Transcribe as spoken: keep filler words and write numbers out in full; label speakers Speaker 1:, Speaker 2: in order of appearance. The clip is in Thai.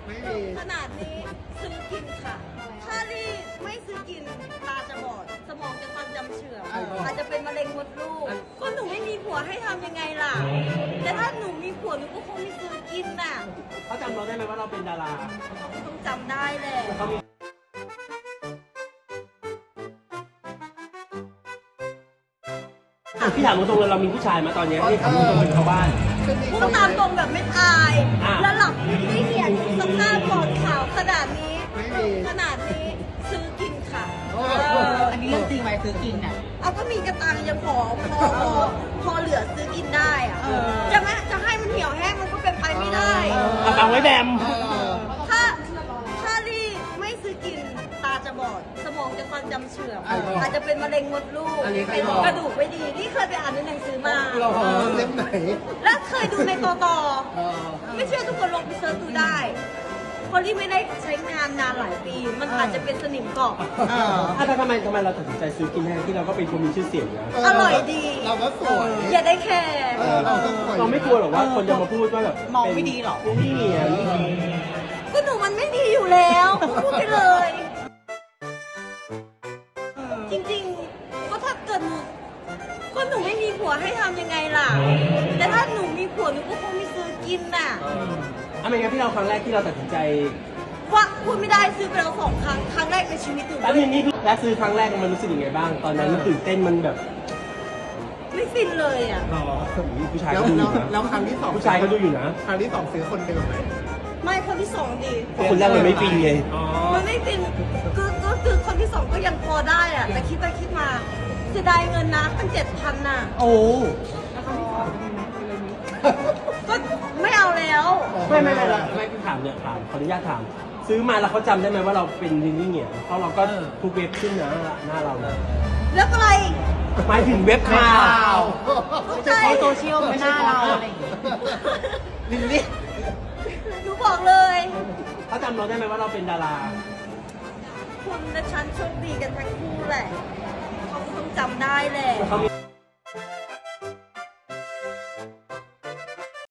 Speaker 1: ไม่มี
Speaker 2: ขนาดนี้ซื้อกินค่ะ ถ้ารีบไม่ซื้อกินตาจะบอด สมองจะความจำเสื่อมอาจจะเป็นมะเร็งมดลูกก็หนูไม่มีผัวให้ทำยังไงล่ะ แต่ถ้าหนูมีผัวหนูก็คงไม่ซื้อกินน่ะ
Speaker 3: เขาจำเราได้ไหมว่าเราเป็นดารา
Speaker 2: เขาก็ต้องจำได้แหละ
Speaker 3: เขามีอ่ะพี่ถามตรงๆเลยเรามีผู้ชายมาตอนนี้ที่ทำตรงเป็นชาวบ้าน
Speaker 2: พูดตามตรงแบบไม่อาย
Speaker 3: อ่ะ
Speaker 2: แล้วหลับไม่เหียนสภาพปอดขาวขนาดนี้
Speaker 1: ไม่มี
Speaker 2: ขนาดนี้ซื้อกินค่ะ
Speaker 1: โอ้
Speaker 2: เออ
Speaker 4: อันนี้เรื่องจริงไหมซื้อกินอ่ะ
Speaker 2: เอาก็มีกระตังยังพอพอพอพอเหลือซื้อกินได้อะ
Speaker 4: เออ
Speaker 2: จะให้จะให้มันเหี่ยวแห้งมันก็เป็นไปไม่ได้
Speaker 3: เอาตังไว้แบม
Speaker 1: เออ
Speaker 2: ถ้าถ้ารีบไม่ซื้อกินตาจะบอด สมองจะความจำเสื่อมอาจจะเป็นมะเร็งมดลูก
Speaker 1: อันนี้ใคร
Speaker 2: เป็น
Speaker 1: บอก
Speaker 2: กระดูกไม่ดีนี่เคยไปอ่านในหนังสือมา
Speaker 1: เราเล่มไหน
Speaker 2: และเคยดูในตอตอ
Speaker 1: เออ
Speaker 2: ไม่เชื่อทุกคนลองไปเซิร์ชดูได้เพราะที่ไม่ได้ใช้งานนานหลายปี มันอาจจะเป็นสนิมเกาะ
Speaker 1: เออ
Speaker 3: อ่ะแต่ทำไมทำไมเราตัดสินใจซื้อกินแทนที่เราก็เป็นคนมีชื่อเสียงนะ
Speaker 2: อร่อยดี
Speaker 1: เราก็สวย
Speaker 2: อย่าได้แคร์
Speaker 1: เออเราก็สวย
Speaker 3: เราไม่กลัวหรอกว่าคนจะมาพูดว่าแบบ
Speaker 4: มองไม่ดีหรอ
Speaker 3: เป็นนี่เหนียง
Speaker 2: ก็หนูมันไม่ดีอยู่แล้วพูดไปเลย จริงๆ ก็ถ้าเกิดหนูก็หนูไม่มีผัวให้ทำยังไงล่ะ แต่ถ้าหนูมีผัวหนูก็คงไม่ซื้อกินน่ะ
Speaker 3: อ่ะไม่งั้นพี่เราครั้งแรกที่เราตัดสินใจ
Speaker 2: ว่าพูดไม่ได้ซื้อไปแล้วสองครั้ง ครั้งแรกในชีวิตหนู
Speaker 3: แล้วทีนี้แล้วซื้อครั้งแรกมันรู้สึกยังไงบ้าง ตอนนั้นมันตื่นเต้นมันแบบ
Speaker 2: ไม่ฟินเลยอ่ะ
Speaker 1: หรอ
Speaker 3: ผู้ชาย
Speaker 1: แล้ว
Speaker 3: ก็ดูอ
Speaker 1: แล้ว
Speaker 3: ยู่นะ
Speaker 1: แล้วครั้งที่สอง
Speaker 3: ผู้ชายก็ดูอยู่นะ
Speaker 1: ครั้งที่สองซื้อคนเดิมไหม
Speaker 2: ไม่คนที่สองดี
Speaker 3: เพราะคนแรกมันไม่ฟินไง
Speaker 1: อ๋อ
Speaker 2: มันไม่ฟินก็ก็คือคนที่สองก็ยังพอได้อ่ะ แต่คิดไปคิดมาเสียดายเงินนะตั้งเจ็ดพันน่ะ
Speaker 3: โอ้
Speaker 2: ก็ไม่เอาแล้ว
Speaker 3: ไม่ไม่ไม่ไม่ไม่พี่ถามเนี่ยถามขออนุญาตถาม ซื้อมาแล้วเขาจำได้ไหมว่าเราเป็นลินนี่เหนียงเพราะเราก็ทุกเว็บขึ้นนะหน้าเรานะ
Speaker 2: แล้วอะไร
Speaker 3: หมายถึงเว็บข่าว
Speaker 2: เข้าใจ
Speaker 4: เขาโซเชียลไม่น่าเราอะไรอย่างเงี้ย
Speaker 1: ลินลี่
Speaker 2: หนูบอกเลย
Speaker 3: เขาจำเราได้ไหมว่าเราเป็นดารา
Speaker 2: คุณและฉันโชคดีกันทั้งคู่แหละ เขาก็ต้องจำได้แหละ
Speaker 3: เขามี